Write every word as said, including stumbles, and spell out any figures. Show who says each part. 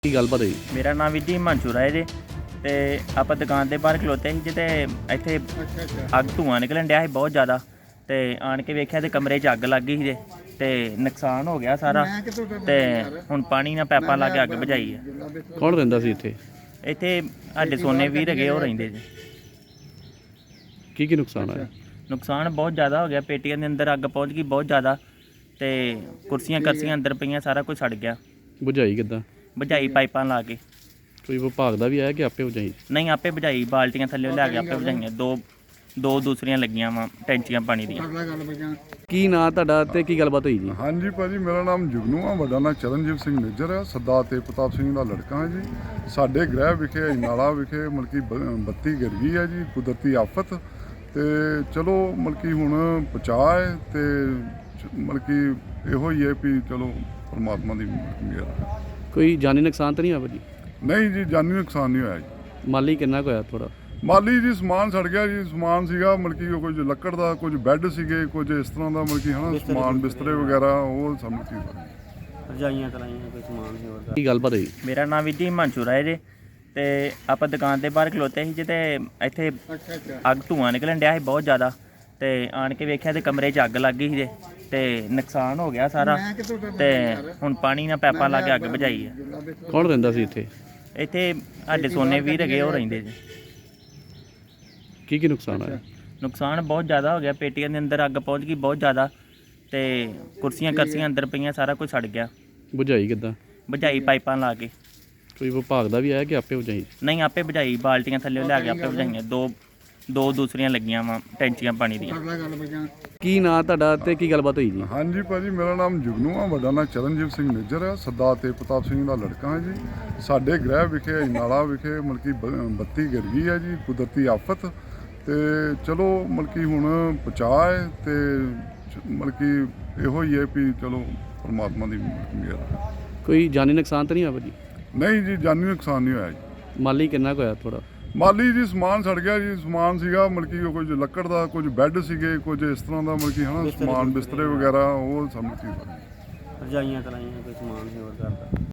Speaker 1: ਕੀ ਗੱਲਬਾਤ ਹੋਈ?
Speaker 2: ਮੇਰਾ ਨਾਮ ਵੀਰ ਜੀ ਹਿਮਾਂਸ਼ੂ ਰਾਏ ਜੇ ਤੇ ਆਪਾਂ ਦੁਕਾਨ ਦੇ ਬਾਹਰ ਖਲੋਤੇ ਸੀ ਜਿੱਤੇ ਇੱਥੇ ਅੱਗ ਧੂਆਂ ਨਿਕਲਣ ਡਿਆ ਸੀ ਬਹੁਤ ਜ਼ਿਆਦਾ ਤੇ ਆਣ ਕੇ ਵੇਖਿਆ ਤੇ ਕਮਰੇ 'ਚ ਅੱਗ ਲੱਗ ਗਈ ਸੀ ਤੇ ਨੁਕਸਾਨ ਹੋ ਗਿਆ ਸਾਰਾ ਤੇ ਹੁਣ ਪਾਣੀ ਨਾਲ ਪੈਪਾਂ ਲਾ ਕੇ ਅੱਗ ਬੁਝਾਈ ਹੈ।
Speaker 1: ਕੌਣ ਰਹਿੰਦਾ ਸੀ ਇੱਥੇ?
Speaker 2: ਇੱਥੇ ਸਾਡੇ ਸੋਨੇ ਵੀਰ ਹੈਗੇ ਉਹ ਰਹਿੰਦੇ ਜੀ।
Speaker 1: ਕੀ ਕੀ ਨੁਕਸਾਨ ਆਇਆ?
Speaker 2: ਨੁਕਸਾਨ ਬਹੁਤ ਜ਼ਿਆਦਾ ਹੋ ਗਿਆ, ਪੇਟੀਆਂ ਦੇ ਅੰਦਰ ਅੱਗ ਪਹੁੰਚ ਗਈ ਬਹੁਤ ਜ਼ਿਆਦਾ ਤੇ ਕੁਰਸੀਆਂ ਕਰਸੀਆਂ ਅੰਦਰ ਪਈਆਂ, ਸਾਰਾ ਕੁਝ ਸੜ ਗਿਆ।
Speaker 1: ਬੁਝਾਈ ਕਿੱਦਾਂ?
Speaker 2: ਬੁਝਾਈ ਪਾਈਪਾਂ ਲਾ ਕੇ।
Speaker 1: ਕੋਈ ਵਿਭਾਗ ਦਾ ਵੀ ਆਇਆ ਕਿ ਆਪੇ ਬੁਝਾਈ?
Speaker 2: ਨਹੀਂ, ਆਪੇ ਬੁਝਾਈ, ਬਾਲਟੀਆਂ ਥੱਲੇ ਲਿਆ ਕੇ ਆਪੇ ਬੁਝਾਈਆਂ। ਦੋ ਦੋ ਦੂਸਰੀਆਂ ਲੱਗੀਆਂ ਵਾ ਟੈਂਚੀਆਂ ਪਾਣੀ ਦੀਆਂ।
Speaker 1: ਕੀ ਨਾਂ ਤੁਹਾਡਾ ਤੇ ਕੀ ਗੱਲਬਾਤ ਹੋਈ ਜੀ?
Speaker 3: ਹਾਂਜੀ ਭਾਜੀ, ਮੇਰਾ ਨਾਮ ਜੁਗਨੂ ਆ, ਵੱਡਾ ਨਾਂ ਚਰਨਜੀਤ ਸਿੰਘ ਮੇਜਰ ਆ, ਸਰਦਾਰ ਤੇਜ ਪ੍ਰਤਾਪ ਸਿੰਘ ਦਾ ਲੜਕਾ ਹਾਂ ਜੀ। ਸਾਡੇ ਗ੍ਰਹਿ ਵਿਖੇ ਅਜਨਾਲਾ ਵਿਖੇ ਮਲਕੀ ਬੱਤੀ ਗਿਰ ਗਈ ਹੈ ਜੀ, ਕੁਦਰਤੀ ਆਫਤ। ਤੇ ਚਲੋ ਮਲਕੀ ਹੁਣ ਬਚਾਅ ਹੈ ਤੇ ਮਲਕੀ ਇਹੋ ਹੀ ਹੈ ਵੀ ਚਲੋ ਪਰਮਾਤਮਾ ਦੀ ਮਿਹਰ ਹੈ।
Speaker 1: ਕੋਈ ਜਾਨੀ ਨੁਕਸਾਨ ਤਾਂ ਨਹੀਂ ਹੋਇਆ ਭਾਜੀ?
Speaker 3: ਨਹੀਂ ਜੀ, ਜਾਨੀ ਨੁਕਸਾਨ ਨਹੀਂ ਹੋਇਆ ਜੀ।
Speaker 1: ਮਾਲੀ ਕਿੰਨਾ ਕੁ ਹੋਇਆ? ਥੋੜਾ
Speaker 3: ਮਾਲੀ ਜੀ ਸਮਾਨ ਸੜ ਗਿਆ ਜੀ। ਸਮਾਨ ਸੀਗਾ ਮਲਕੀ ਕੁਝ ਲੱਕੜ ਦਾ, ਕੁਝ ਬੈੱਡ ਸੀਗੇ, ਕੁਝ ਇਸ ਤਰ੍ਹਾਂ ਦਾ ਮਲਕੀ ਹਨਾ ਸਮਾਨ, ਬਿਸਤਰੇ ਵਗੈਰਾ, ਉਹ ਸਭ ਚੀਜ਼
Speaker 2: ਰਜਾਈਆਂ ਤਲਾਈਆਂ ਕੋਈ ਸਮਾਨ ਸੀ ਹੋਰ।
Speaker 1: ਕੀ ਗੱਲਬਾਤ ਹੋਈ?
Speaker 2: ਮੇਰਾ ਨਾਮ ਵੀਰ ਜੀ ਹਿਮਾਂਸ਼ੂ ਰਾਏ ਜੇ ਤੇ ਆਪਾਂ ਦੁਕਾਨ ਦੇ ਬਾਹਰ ਖਲੋਤੇ ਸੀ ਜਿੱਤੇ ਇੱਥੇ ਅੱਗ ਧੂਆਂ ਨਿਕਲਣ ਡਿਆ ਸੀ ਬਹੁਤ ਜ਼ਿਆਦਾ ਤੇ ਆਣ ਕੇ ਵੇਖਿਆ ਤੇ ਕਮਰੇ 'ਚ ਅੱਗ ਲੱਗ ਗਈ ਸੀ ਤੇ ਨੁਕਸਾਨ ਹੋ ਗਿਆ ਸਾਰਾ ਤੇ ਹੁਣ ਪਾਣੀ ਨਾਲ ਪੈਪਾਂ ਲਾ ਕੇ ਅੱਗ ਬੁਝਾਈ ਹੈ।
Speaker 1: ਕੌਣ ਰਹਿੰਦਾ ਸੀ ਇੱਥੇ?
Speaker 2: ਇੱਥੇ ਸਾਡੇ ਸੋਨੇ ਵੀਰ ਹੈਗੇ ਉਹ ਰਹਿੰਦੇ ਜੀ।
Speaker 1: ਕੀ ਕੀ ਨੁਕਸਾਨ ਆਇਆ?
Speaker 2: ਨੁਕਸਾਨ ਬਹੁਤ ਜ਼ਿਆਦਾ ਹੋ ਗਿਆ, ਪੇਟੀਆਂ ਦੇ ਅੰਦਰ ਅੱਗ ਪਹੁੰਚ ਗਈ ਬਹੁਤ ਜ਼ਿਆਦਾ ਤੇ ਕੁਰਸੀਆਂ ਕਰਸੀਆਂ ਅੰਦਰ ਪਈਆਂ, ਸਾਰਾ ਕੁਝ ਸੜ ਗਿਆ।
Speaker 1: ਬੁਝਾਈ ਕਿੱਦਾਂ?
Speaker 2: ਬੁਝਾਈ ਪਾਈਪਾਂ ਲਾ ਕੇ।
Speaker 1: ਕੋਈ ਵਿਭਾਗ ਦਾ ਵੀ ਆਇਆ ਕਿ ਆਪੇ ਬੁਝਾਈ?
Speaker 2: ਨਹੀਂ, ਆਪੇ ਬੁਝਾਈ, ਬਾਲਟੀਆਂ ਥੱਲੇ ਲਿਆ ਕੇ ਆਪੇ ਬੁਝਾਈਆਂ। ਦੋ ਦੋ ਦੂਸਰੀਆਂ ਲੱਗੀਆਂ ਵਾ ਟੈਂਚੀਆਂ ਪਾਣੀ ਦੀਆਂ।
Speaker 1: ਕੀ ਨਾਂ ਤੁਹਾਡਾ ਤੇ ਕੀ ਗੱਲਬਾਤ ਹੋਈ ਜੀ?
Speaker 3: ਹਾਂਜੀ ਭਾਜੀ, ਮੇਰਾ ਨਾਮ ਜੁਗਨੂ ਆ, ਵੱਡਾ ਨਾਂ ਚਰਨਜੀਤ ਸਿੰਘ ਮੇਜਰ ਆ, ਸਰਦਾਰ ਤੇਜ ਪ੍ਰਤਾਪ ਸਿੰਘ ਦਾ ਲੜਕਾ ਹਾਂ ਜੀ। ਸਾਡੇ ਗ੍ਰਹਿ ਵਿਖੇ ਅਜਨਾਲਾ ਵਿਖੇ ਮਲਕੀ ਬੱਤੀ ਗਿਰ ਗਈ ਹੈ ਜੀ, ਕੁਦਰਤੀ ਆਫਤ। ਤੇ ਚਲੋ ਮਲਕੀ ਹੁਣ ਬਚਾਅ ਹੈ ਤੇ ਮਲਕੀ ਇਹੋ ਹੀ ਹੈ ਵੀ ਚਲੋ ਪਰਮਾਤਮਾ ਦੀ ਮਿਹਰ ਹੈ।
Speaker 1: ਕੋਈ ਜਾਨੀ ਨੁਕਸਾਨ ਤਾਂ ਨਹੀਂ ਹੋਇਆ ਭਾਜੀ?
Speaker 3: ਨਹੀਂ ਜੀ, ਜਾਨੀ ਨੁਕਸਾਨ ਨਹੀਂ ਹੋਇਆ ਜੀ।
Speaker 1: ਮਾਲੀ ਕਿੰਨਾ ਕੁ ਹੋਇਆ? ਥੋੜਾ
Speaker 3: ਮਾਲੀ ਜੀ ਸਮਾਨ ਸੜ ਗਿਆ ਜੀ। ਸਮਾਨ ਸੀਗਾ ਮਲਕੀ ਕੁਝ ਲੱਕੜ ਦਾ, ਕੁਝ ਬੈੱਡ ਸੀਗੇ, ਕੁਝ ਇਸ ਤਰ੍ਹਾਂ ਦਾ ਮਲਕੀ ਹਨਾ ਸਮਾਨ, ਬਿਸਤਰੇ ਵਗੈਰਾ, ਉਹ ਸਭ ਚੀਜ਼
Speaker 2: ਰਜਾਈਆਂ ਤਲਾਈਆਂ ਕੋਈ ਸਮਾਨ ਸੀ ਹੋਰ ਕਰਦਾ।